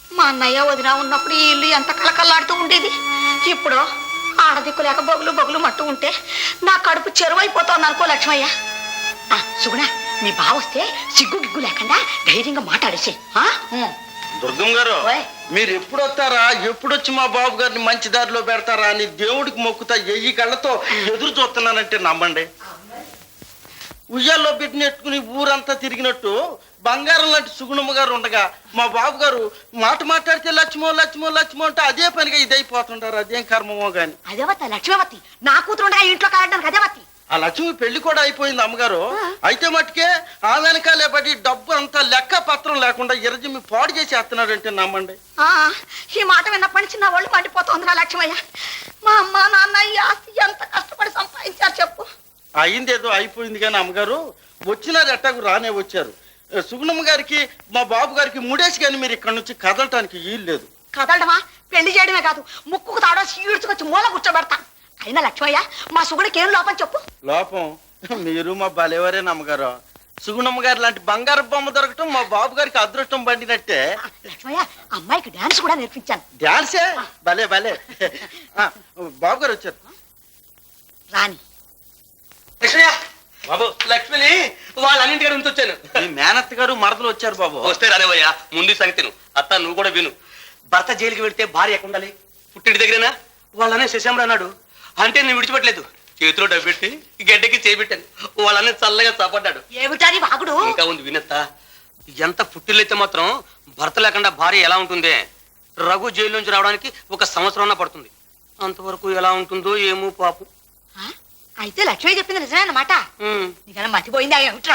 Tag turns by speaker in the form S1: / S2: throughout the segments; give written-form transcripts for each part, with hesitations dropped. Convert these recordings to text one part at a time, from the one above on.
S1: మా అన్నయ్య వదిన ఉన్నప్పుడు ఈ ఇల్లు ఎంత కలకల్లాడుతూ ఉండేది. ఇప్పుడు ఆడదిక్కు లేక బొగులు బొగులు మట్టు ఉంటే నా కడుపు చెరువైపోతోంది అనుకో లక్ష్మయ్య. సుగుణ, నీ బావ వస్తే సిగ్గు గిగ్గు లేకుండా ధైర్యంగా మాట్లాడేసి.
S2: దుర్గం గారు, మీరు ఎప్పుడు వస్తారా, ఎప్పుడొచ్చి మా బాబు గారిని మంచి దారిలో పెడతారా అని దేవుడికి మొక్కుతా ఎయ్యి కళ్ళతో ఎదురు చూస్తున్నానంటే నమ్మండి. ఉయ్యాల్లో బిడ్డని ఎట్టుకుని ఊరంతా తిరిగినట్టు బంగారం లాంటి సుగుణమ్మ గారు ఉండగా మా బాబు గారు మాట మాట్లాడితే లక్ష్మో లక్ష్మో లక్ష్మో అంటే అదే పనిగా ఇదైపోతుంటారు. అదేం కర్మమో గాని.
S1: అదేవత్త లక్ష్మీవతి, నా కూతురు ఉండగా ఇంట్లో కాలడానికి అదేవత్తి.
S2: ఆ లక్ష్మి పెళ్లి కూడా అయిపోయింది అమ్మగారు. అయితే మట్టుకే ఆ వెనకాలే పడి డబ్బు అంతా లెక్క పత్రం లేకుండా ఎర్రజిమ్మి పాడు చేసి వేస్తున్నాడంటే నమ్మండి.
S1: ఈ మాట విన్నప్పటి నుంచి నా ఒళ్ళు మండిపోతుంది రా లక్ష్మయ్య. మా అమ్మ నాన్న ఈ ఆస్తి ఎంత కష్టపడి సంపాదించారు చెప్పు.
S2: అయిందేదో అయిపోయింది కానీ అమ్మగారు వచ్చినారు, ఎట్టాకు రానే వచ్చారు. సుగుణమ్మ గారికి మా బాబు గారికి ముడేసి కానీ మీరు ఇక్కడ నుంచి కదలటానికి వీలు లేదు.
S1: కదలడమా, పెళ్లి చేయడమే కాదు ముక్కుకు తాడో ఈడ్చుకొచ్చి మూల కూర్చోబెడతా. అయినా లక్ష్మయ్య, మా సుగుడికి ఏం లోపం చెప్పు.
S2: లోపం మీరు మా బలేవరే నమ్మగారు. సుగుణమ్మ గారి లాంటి బంగారు బొమ్మ దొరకటం మా బాబు గారికి అదృష్టం పండినట్టే.
S1: లక్ష్మయ్య, అమ్మాయికి డాన్స్ కూడా నేర్పించాను.
S2: డాన్సే? భలే భలే. బాబు గారు వచ్చారు.
S1: రాని
S3: లక్ష్మయ్య బాబు, లక్ష్మిని వాళ్ళన్నింటిగా నుంచి వచ్చాను.
S2: మీ మేనత్త గారు మరదలు వచ్చారు బాబు.
S3: వస్తే రానివయ్యా, ముందు సంగతి అత్త నువ్వు కూడా విను. భర్త జైలుకి వెళితే భార్య ఎక్కడ ఉండాలి? పుట్టింటి దగ్గరేనా? వాళ్ళనే శశాంబర్ అన్నాడు. అంటే నేను విడిచిపెట్టలేదు, చేతిలో డబ్బెట్టి గడ్డకి చేపెట్టాను. వాళ్ళనే చల్లగా చాపడ్డాడు.
S1: ఏమిటాని వాగుడు?
S3: ఇంకా ఉంది వినత్త. ఎంత పుట్టిల్లైతే మాత్రం భర్త లేకుండా భార్య ఎలా ఉంటుంది? రఘు జైలు నుంచి రావడానికి 1 సంవత్సరం పడుతుంది. అంతవరకు ఎలా ఉంటుందో ఏమో పాపం.
S1: అయితే లక్ష్మి చెప్పింది నిజమే అన్నమాట. నీకన్నా మర్చిపోయిందా ఏమిట్రా?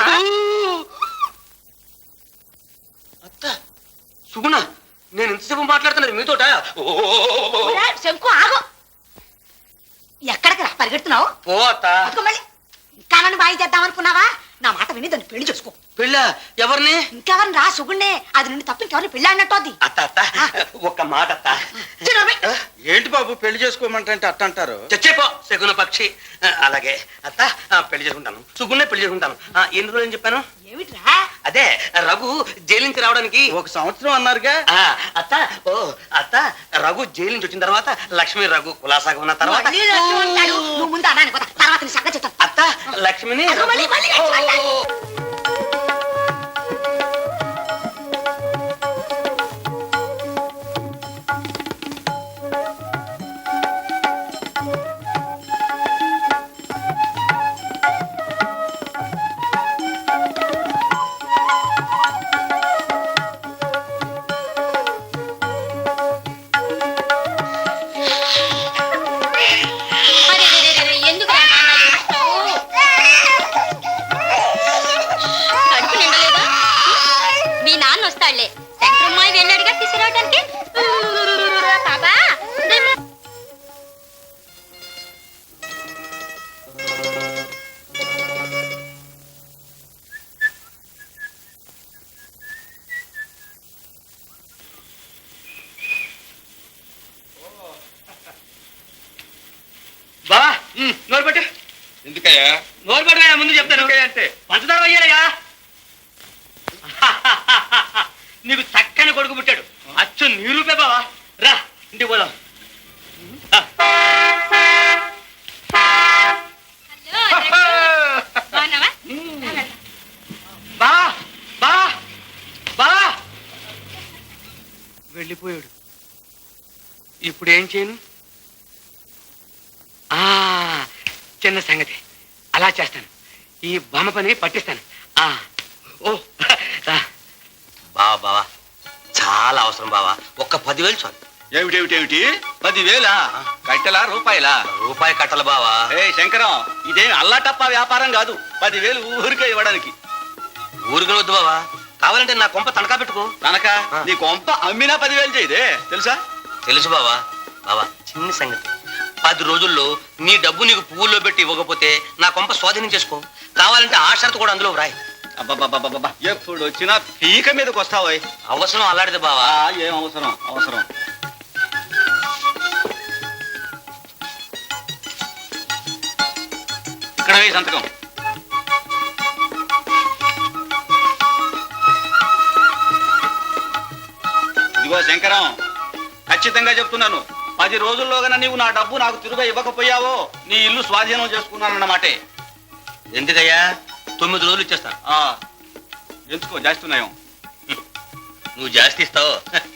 S3: అత్త సుగుణ, నేను ఇంతసేపు మాట్లాడుతున్నది మీతోట.
S1: శంకు ఆగు, ఎక్కడికి రా పరిగెడుతున్నావు?
S3: పో అత్త.
S1: మళ్ళీ ఇంకా నన్ను బాయి చేద్దాం అనుకున్నావా? నా మాట విని దాన్ని పెళ్లి చేసుకో.
S3: పెళ్ళ ఎవరిని?
S1: ఇంకెవరిని రా, సుగుణ్ణే. అది నుండి తప్ప ఇంకెవరిని పెళ్ళి అన్నట్టు. అది
S3: అత్త అత్త ఒక్క మాట అత్త.
S2: ఏంటి బాబు పెళ్లి చేసుకోమంటే అట్ట అంటారు?
S3: చచ్చేపో శకున పక్షి. అలాగే అత్త, పెళ్లి చేసుకుంటాను. సుగుణ్ణే పెళ్లి చేసుకుంటాను. ఎన్ని రోజులు అని చెప్పాను?
S1: ఏమిట్రా?
S3: అదే రఘు జైలు నుంచి రావడానికి
S2: 1 సంవత్సరం అన్నారుగా.
S3: అత్త ఓ అత్త, రఘు జైలు నుంచి వచ్చిన తర్వాత లక్ష్మి రఘు కులాసాగా ఉన్న తర్వాత
S1: నువ్వు ముందు అన్నాను కదా, తర్వాత నీ సంగతి చెప్తాను.
S3: అత్త లక్ష్మిని బావా నోరు పెట్టు.
S2: ఎందుకయ్యా?
S3: నోరు పెట్టు, ముందు చెప్తాను.
S2: అంటే
S3: పంచదార వయ్యాలయ్యా. నీకు చక్కని కొడుకు పుట్టాడు. అచ్చు నీ రూపే బావా. రా ఇంటికి పోదాం. బావా బావా బావా వెళ్ళిపోయాడు. ఇప్పుడు ఏం చేయను? చిన్న సంగతి, అలా చేస్తాను. ఈ బొమ్మ పని పట్టిస్తాను. బావా బావా చాలా అవసరం బావా, ఒక్క 10,000 చాలు.
S2: ఏమిటేమిటేమిటి 10,000? కట్టెలా రూపాయలా?
S3: రూపాయి కట్టలు బావా.
S2: శంకరం, ఇదేం అల్లాటప్ప వ్యాపారం కాదు. 10,000 ఊరికే ఇవ్వడానికి.
S3: ఊరికి వద్దు బావా, కావాలంటే నా కొంప తనఖా పెట్టుకో.
S2: తనకా? నీ కొంప అమ్మినా 10,000 చేయదే, తెలుసా?
S3: తెలుసు బావా. బావా చిన్న సంగతి, 10 రోజుల్లో నీ డబ్బు నీకు పువ్వుల్లో పెట్టి ఇవ్వకపోతే నా కొంప స్వాధీనం చేసుకో. కావాలంటే ఆ షరతు కూడా అందులో వ్రాయి.
S2: అబ్బబ్బబ్బబ్బబ్బా, ఎప్పుడు వచ్చినా పీక మీదకి వస్తావు.
S3: అవసరం అలాంటిది బావా.
S2: ఏం అవసరం? అవసరం ఇక్కడ సంతకం.
S4: ఇదిగో శంకరం, ఖచ్చితంగా చెప్తున్నాను, 10 రోజుల్లోగా నీవు నా డబ్బు నాకు తిరుగా ఇవ్వకపోయావో నీ ఇల్లు స్వాధీనం చేసుకున్నానన్నమాటే.
S3: ఎందుకయ్యా 9 రోజులు ఇచ్చేస్తాను.
S4: ఎంచుకో, జాస్తున్నాయం.
S3: నువ్వు జాస్తి ఇస్తావు.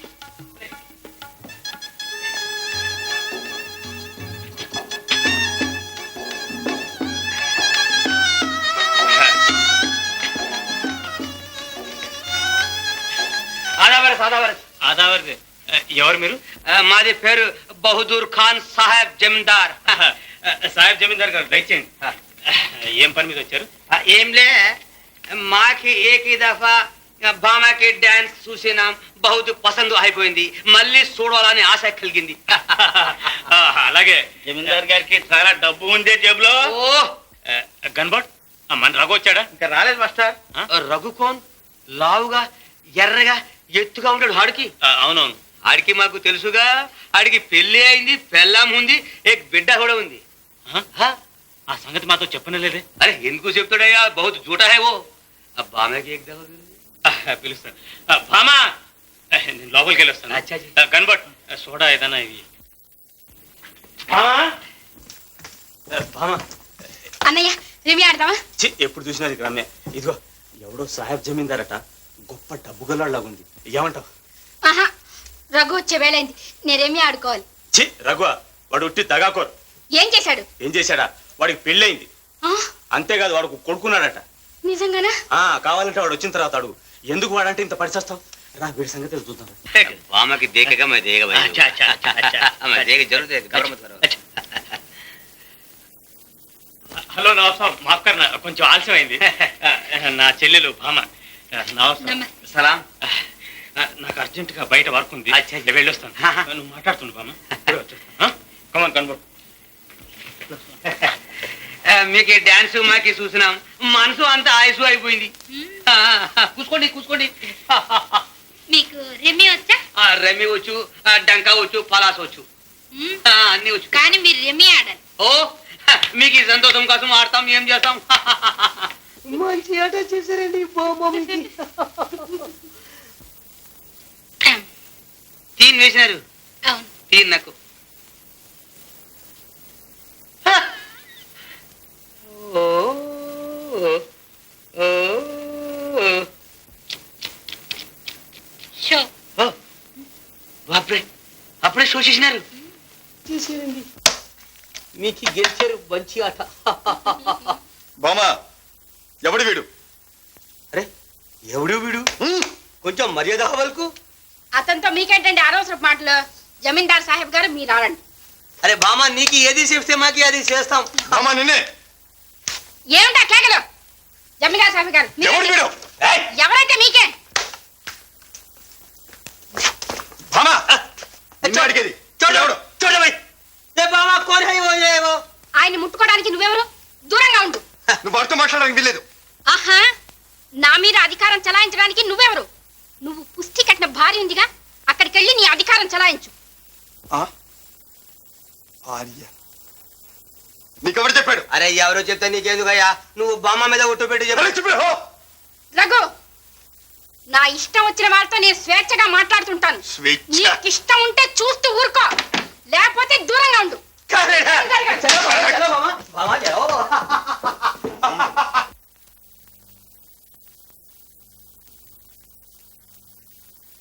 S5: ఆదావర్ ఎవరు మీరు?
S3: మాది పేరు బహదూర్ ఖాన్ సాహెబ్ జమీందార్.
S5: సాహెబ్ జమీందార్ గారు దయచేయండి. ఏం పని మీద వచ్చారు?
S3: ఏంలే, మాకి ఏకీ దఫా బామాకి డాన్స్ చూసినాం, బహుత్ పసందు అయిపోయింది, మళ్ళీ చూడాలని ఆశ కలిగింది.
S5: అలాగే జమీందార్ గారికి చాలా డబ్బు ఉందే జేబులో.
S3: ఓ
S5: గన్బట్ మన రఘు వచ్చాడా?
S2: ఇంకా రాలేదు మాస్టర్.
S3: రఘుకోన్ లావుగా ఎర్రగా ఎత్తుగా ఉంటాడు. ఆడికి
S5: అవునవును,
S3: ఆడికి మాకు తెలుసుగా. ఆడికి పెళ్లి అయింది, పెళ్ళాం ఉంది, ఏక్ బిడ్డ కూడా ఉంది.
S5: ఆ సంగతి మాతో చెప్పనలేదే.
S3: అరే ఎందుకు చెప్తాడయ్యా, బహుత్ జూటా హై వో. బామాకి ఏక్ దఫా
S5: పిలుస్తాను. భామా, నేను లోపలికి వెళ్ళి వస్తాను.
S3: అచ్చా జీ.
S5: గన్బట్ సోడా ఏదన్నా ఇవి. భామా, భామా,
S1: అన్నయ్య రివి ఆడదామా?
S5: ఎప్పుడు చూసినా ఇది రమ్య. ఇదిగో ఎవడో సాహెబ్ జమీందారట, గొప్ప డబ్బు గల్లాగుంది. ఏమంటావు?
S1: ఆహా, రఘు వచ్చే వేళైంది, నేనేమి ఆడుకోవాలి.
S5: చి రఘు, వాడు ఉట్టి దగాకోరు.
S1: ఏం చేశాడు?
S5: ఏం చేశాడా? వాడికి పెళ్ళయింది.
S1: ఆ,
S5: అంతేకాదు, వాడు కొడుకున్నాడట.
S1: నిజంగానా?
S5: కావాలంటే వాడు వచ్చిన తర్వాత అడుగు. ఎందుకు వాడంటే ఇంత పరిచేస్తావు? రా, వీడి సంగతి చూద్దాం.
S3: బామాకి దేకేగా मैं देगा भाई.
S5: अच्छा, अच्छा, अच्छा, अच्छा.
S3: मैं देगा जरूर देगा, घबरा मत करो.
S5: హలో నవాబ్ సాబ్, మాఫ్ కర్నా, కొంచెం ఆలస్యమైంది. నా చెల్లెలు భామ. నవాబ్ సాబ్,
S1: నమస్తే.
S3: సలాం.
S5: నాకు అర్జెంట్ గా బయట వర్క్ ఉంది,
S3: అచ్చా.
S5: నేను వెళ్ళొస్తాను. నువ్వు మాట్లాడుతుండు భామ. కమాన్ కన్వర్ట్.
S3: మీకు డాన్స్ మాకి చూసినాం, మనసు అంతా ఆయుసు అయిపోయింది. కూసుకోండి కూసుకోండి.
S1: మీకు రెమ్మి వచ్చా?
S3: రమ్మి వచ్చు, డంకా వచ్చు, పలాస్ వచ్చు, అన్ని వచ్చు.
S1: కానీ మీరు రెమ్మి ఆడాలి.
S3: ఓ మీకు ఈ సంతోషం కోసం ఆడతాం, ఏం చేస్తాం. మంచి ఆట చేశారండి బాబా. తీన్ వేసినారు,
S1: అవును.
S3: తీన్ నాకు. ఓ ఓ
S1: షో.
S3: బాప్రే, అప్పుడే షో చేసినారు. చేశారండి, మీకు గెలిచారు. మంచి ఆట.
S4: బామా, ఎవడు వీడు?
S3: అరే ఎవడు వీడు? కొంచెం మర్యాద వాళ్ళకు.
S1: అతనితో మీకేంటండి అనవసరపు మాటలు? జమీందార్ సాహెబ్ గారు మీరు ఆడండి.
S3: అరే బామా, నీకు ఏది చెప్తే మాకి అది చేస్తాం.
S4: బామా నిన్నే.
S1: ఏమిటా కేకలు? జమీందార్ సాహెబ్ గారు మీరే-
S4: ఎవడు వీడు?
S1: ఎవరైతే మీకే.
S4: బామా, నిన్నే అడిగేది. ఎవడు?
S3: చూడబోయ్. ఏ బామా, కోన్ హై వో ఏ వో.
S1: ఆయన్ని ముట్టుకోవడానికి నువ్వెవరు? దూరంగా ఉండు.
S4: నువ్వు వాడితో మాట్లాడడానికి వీల్లేదు.
S1: ఆహా, నా మీద అధికారం చలాయించడానికి నువ్వెవరు? నువ్వు పుష్టి కట్టిన భార్య ఉందిగా, అక్కడికి వెళ్ళి నీ అధికారం చలాయించు.
S4: భార్య? నీకెవరు చెప్పాడు?
S3: అరే ఎవరో చెప్తే నీకెందుకయ్యా, నువ్వు బామ్మ మీద ఒట్టు పెట్టి
S4: అరే,
S3: చెప్పు.
S4: చెప్పు.
S1: రఘు, నా ఇష్టం వచ్చిన వాళ్ళతో నేను స్వేచ్ఛగా మాట్లాడుతుంటాను.
S4: స్వేచ్ఛ?
S1: నీకు ఇష్టం ఉంటే చూస్తూ ఊరుకో, లేకపోతే దూరంగా ఉండు.
S3: చలో బామ్మ, బామ్మ, చలో బామ్మ.